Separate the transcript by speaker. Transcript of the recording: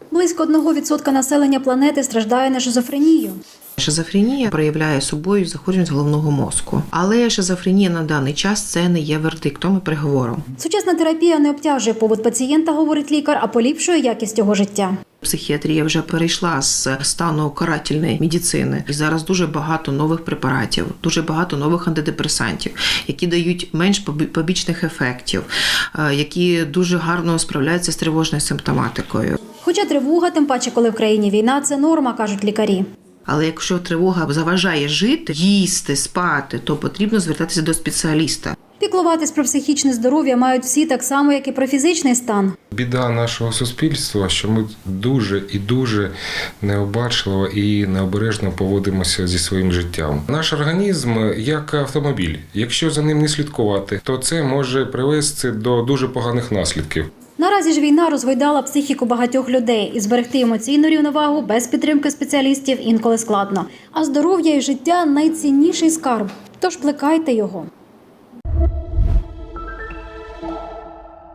Speaker 1: Близько 1% населення планети страждає на шизофренію.
Speaker 2: Шизофренія проявляє собою захворюваність головного мозку. Але шизофренія на даний час – це не є вердиктом і приговором.
Speaker 1: Сучасна терапія не обтяжує побут пацієнта, говорить лікар, а поліпшує якість його життя.
Speaker 2: Психіатрія вже перейшла з стану карательної медицини. І зараз дуже багато нових препаратів, дуже багато нових антидепресантів, які дають менш побічних ефектів, які дуже гарно справляються з тривожною симптоматикою.
Speaker 1: Хоча тривога, тим паче, коли в країні війна, це норма, кажуть лікарі.
Speaker 2: Але якщо тривога заважає жити, їсти, спати, то потрібно звертатися до спеціаліста.
Speaker 1: Піклуватись про психічне здоров'я мають всі так само, як і про фізичний стан.
Speaker 3: Біда нашого суспільства, що ми дуже і дуже необачливо і необережно поводимося зі своїм життям. Наш організм як автомобіль. Якщо за ним не слідкувати, то це може привести до дуже поганих наслідків.
Speaker 1: Наразі ж війна розгойдала психіку багатьох людей, і зберегти емоційну рівновагу без підтримки спеціалістів інколи складно. А здоров'я і життя – найцінніший скарб, тож плекайте його.